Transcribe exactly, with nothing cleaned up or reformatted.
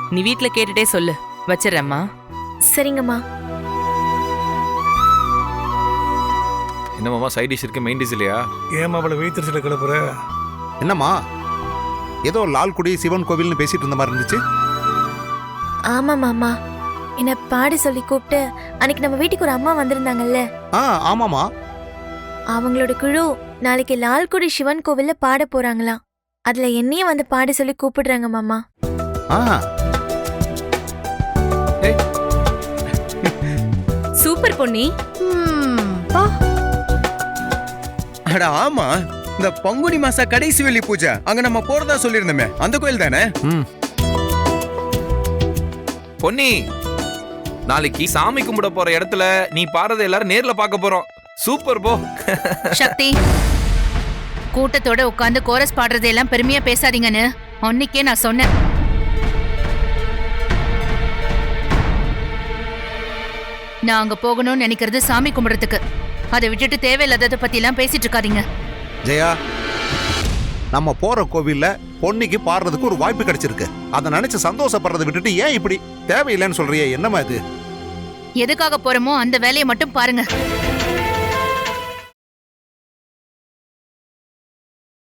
நீ வீட்ல கேட்டுட்டே சொல்லு. வச்சிடறேம்மா. சரிங்கம்மா. என்னமாமா சைட் டிஷ் இருக்கு, மெயின் டிஷ் இல்லையா? ஏமா அவளை வைத்திருச்சில கிளப்புற? என்னம்மா ஏதோ லால்குடி சிவன் கோவில்னு பேசிட்டு இருந்த மாதிரி இருந்துச்சு. ஆமா மாமா, என்ன பாடி சொல்லி கூப்பிட்டு அன்னைக்கு நம்ம வீட்டுக்கு ஒரு அம்மா வந்திருந்தாங்கல்ல. ஆ ஆமாமா. அவங்களோட குழு நாளைக்கு லால்குடி சிவன் கோவில்ல பாட போறாங்களாம். அதுல என்னையும் வந்து பாட சொல்லி கூப்பிடுறாங்க மாமா. ஆ சூப்பர் பொன்னி. அட ஆமா, இந்த பங்குனி மாச கடைசி வெள்ளி பூஜை அங்க நம்ம போறதா சொல்லிருந்தோமே, அந்த கோயில் தானே? ம் பொன்னி, நாளைக்கு சாமி கும்பிட போற இடத்துல நீ பாடுறத எல்லாரும் நேர்ல பார்க்க போறோம். சூப்பர் போ. சக்தி, கூட்டத்தோட உட்கார்ந்து கோரஸ் பாடுறதெல்லாம் பெருமையா பேசாதீங்கன்னு அன்னைக்கே நான் சொன்னேன். நான் அங்க போகணும்னு நினைக்கிறது சாமி கும்பிடுறதுக்கு. அதை விட்டுட்டு தேவையில்லாததை பத்தி எல்லாம் பேசிட்டு இருக்காதீங்க. ஜெயா, நம்ம போற கோவில்ல பொன்னிக்கு பாடுறதுக்கு ஒரு வாய்ப்பு கிடைச்சிருக்கு. அதை நினைச்சு சந்தோஷப்படுறதை விட்டுட்டு ஏன் இப்படி தேவையில்லைன்னு சொல்றியே? என்னமா இது? எதுக்காக போறோமோ அந்த வேலையை மட்டும் பாருங்க.